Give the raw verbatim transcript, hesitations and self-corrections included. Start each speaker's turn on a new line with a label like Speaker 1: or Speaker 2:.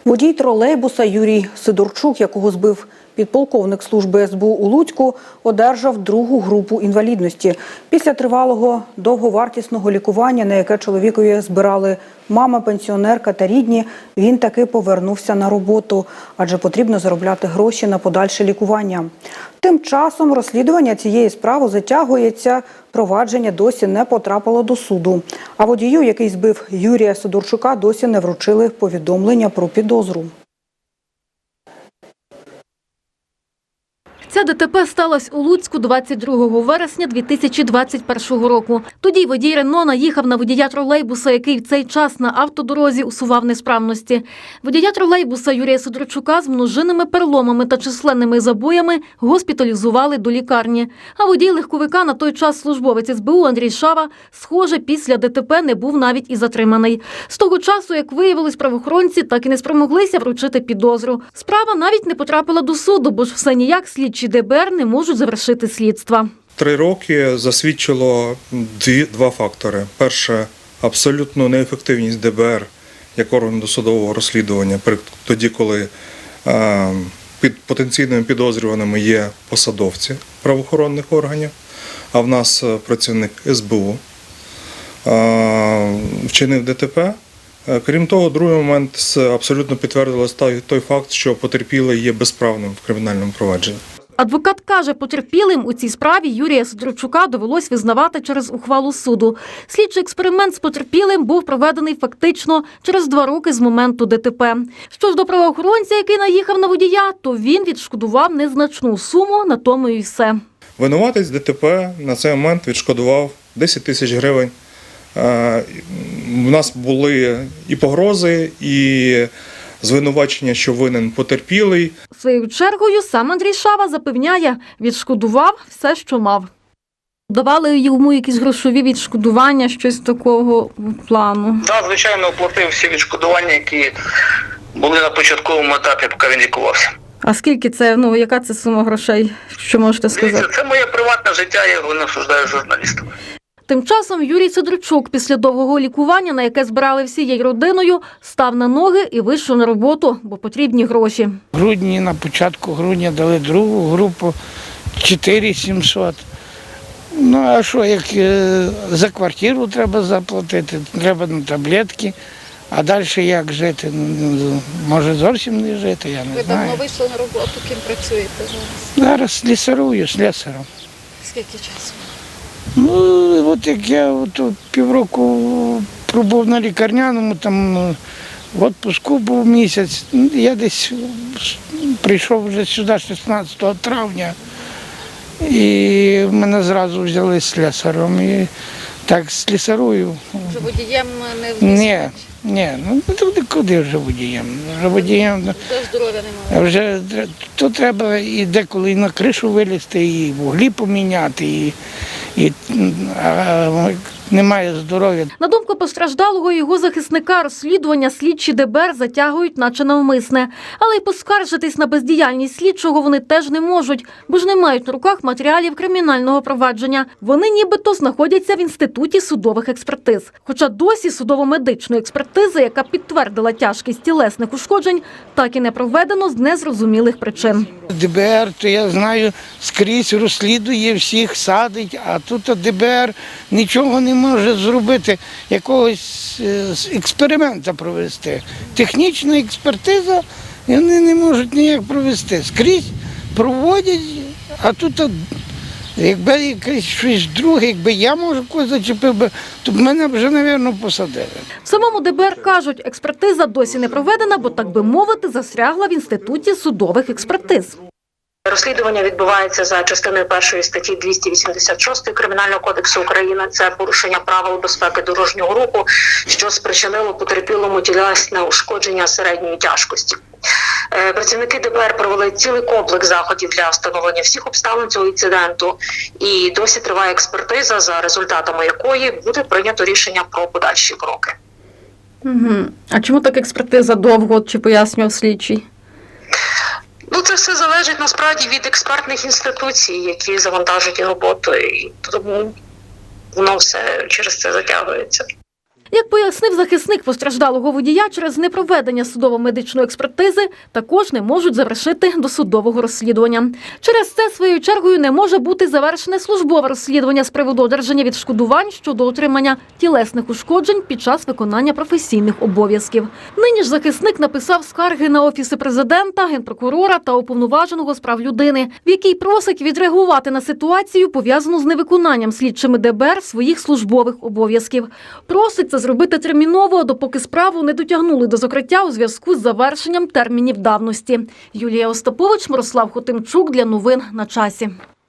Speaker 1: Водій тролейбуса Юрій Сидорчук, якого збив підполковник служби ес бе у у Луцьку, одержав другу групу інвалідності. Після тривалого довговартісного лікування, на яке чоловікові збирали мама, пенсіонерка та рідні, він таки повернувся на роботу, адже потрібно заробляти гроші на подальше лікування. Тим часом розслідування цієї справи затягується, провадження досі не потрапило до суду. А водію, який збив Юрія Сидорчука, досі не вручили повідомлення про підозру.
Speaker 2: Ця де те пе сталося у Луцьку двадцять другого вересня дві тисячі двадцять першого року. Тоді водій Рено наїхав на водія тролейбуса, який в цей час на автодорозі усував несправності. Водія тролейбуса Юрія Сидорчука з множинними переломами та численними забоями госпіталізували до лікарні. А водій легковика, на той час службовець ес бе у Андрій Шава, схоже, після де те пе не був навіть і затриманий. З того часу, як виявилось, правоохоронці так і не спромоглися вручити підозру. Справа навіть не потрапила до суду, бо ж все ніяк слідчі де бе ер не можуть завершити слідства.
Speaker 3: Три роки засвідчило дві, два фактори. Перше – абсолютну неефективність де бе ер як органу досудового розслідування, тоді, коли е, під потенційними підозрюваними є посадовці правоохоронних органів, а в нас працівник ес бе у е, вчинив де те пе. Крім того, другий момент абсолютно підтвердилось той, той факт, що потерпілий є безправним в кримінальному провадженні.
Speaker 2: Адвокат каже, потерпілим у цій справі Юрія Сидорчука довелось визнавати через ухвалу суду. Слідчий експеримент з потерпілим був проведений фактично через два роки з моменту де те пе. Що ж до правоохоронця, який наїхав на водія, то він відшкодував незначну суму, на тому і все.
Speaker 3: Винуватець де те пе на цей момент відшкодував десять тисяч гривень. У нас були і погрози, і звинувачення, що винен потерпілий.
Speaker 2: Своєю чергою сам Андрій Шава запевняє, відшкодував все, що мав. Давали йому якісь грошові відшкодування, щось такого плану?
Speaker 4: Так, звичайно, оплатив всі відшкодування, які були на початковому етапі, поки він лікувався.
Speaker 2: А скільки це, ну, яка це сума грошей, що можете сказати?
Speaker 4: Дивіться, це моє приватне життя, я його не обсуждаю з журналістами.
Speaker 2: Тим часом Юрій Сидорчук після довгого лікування, на яке збирали всією родиною, став на ноги і вийшов на роботу, бо потрібні гроші.
Speaker 5: В грудні, на початку грудня дали другу групу чотири тисячі сімсот. Ну а що, як за квартиру треба заплатити, треба на таблетки, а далі як жити? Може зовсім не жити, я не
Speaker 6: Ви
Speaker 5: знаю.
Speaker 6: Ви давно вийшли на роботу, ким працюєте зараз?
Speaker 5: Зараз слісарую, слесарем.
Speaker 6: Скільки часу?
Speaker 5: Ну, от як я от, півроку пробув на лікарняному, там в відпуску був місяць, я десь прийшов вже сюди шістнадцятого травня, і мене зразу взяли слесарем, і так слісарую.
Speaker 6: Вже водієм не
Speaker 5: Ні, ні, ну куди вже водієм? Вже водієм.
Speaker 6: Вже здоров'я немає.
Speaker 5: Вже то треба і деколи і на кришу вилізти, і вуглі поміняти, і І а, немає здоров'я.
Speaker 2: На думку постраждалого і його захисника, розслідування слідчі де бе ер затягують, наче навмисне. Але й поскаржитись на бездіяльність слідчого вони теж не можуть, бо ж не мають на руках матеріалів кримінального провадження. Вони нібито знаходяться в Інституті судових експертиз. Хоча досі судово-медичної експертизи, яка підтвердила тяжкість тілесних ушкоджень, так і не проведено з незрозумілих причин.
Speaker 5: де бе ер, то я знаю, скрізь розслідує, всіх садить, а тут де бе ер нічого не може зробити, якогось експерименту провести. Технічна експертиза вони не можуть ніяк провести. Скрізь проводять, а тут, якби якесь щось друге, якби я, може, когось зачепив би, то б мене вже, мабуть, посадили.
Speaker 2: В самому де бе ер кажуть, експертиза досі не проведена, бо, так би мовити, застрягла в Інституті судових експертиз.
Speaker 7: Розслідування відбувається за частиною першої статті двісті вісімдесят шість Кримінального кодексу України. Це порушення правил безпеки дорожнього руху, що спричинило потерпілому тілесне ушкодження середньої тяжкості. Працівники де бе ер провели цілий комплекс заходів для встановлення всіх обставин цього інциденту. І досі триває експертиза, за результатами якої буде прийнято рішення про подальші кроки.
Speaker 2: Угу. А чому так експертиза довго, чи пояснював слідчий?
Speaker 7: Ну, це все залежить насправді від експертних інституцій, які завантажують роботу, і тому воно все через це затягується.
Speaker 2: Як пояснив захисник постраждалого водія, через непроведення судово-медичної експертизи також не можуть завершити досудового розслідування. Через це, своєю чергою, не може бути завершене службове розслідування з приводу одержання відшкодувань щодо отримання тілесних ушкоджень під час виконання професійних обов'язків. Нині ж захисник написав скарги на Офіси президента, Генпрокурора та Уповноваженого з прав людини, в якій просить відреагувати на ситуацію, пов'язану з невиконанням слідчими Де Бе Ер своїх службових обов'язків. Просить це зробити терміново, допоки справу не дотягнули до закриття у зв'язку з завершенням термінів давності. Юлія Остапович, Мирослав Хотимчук для новин на часі.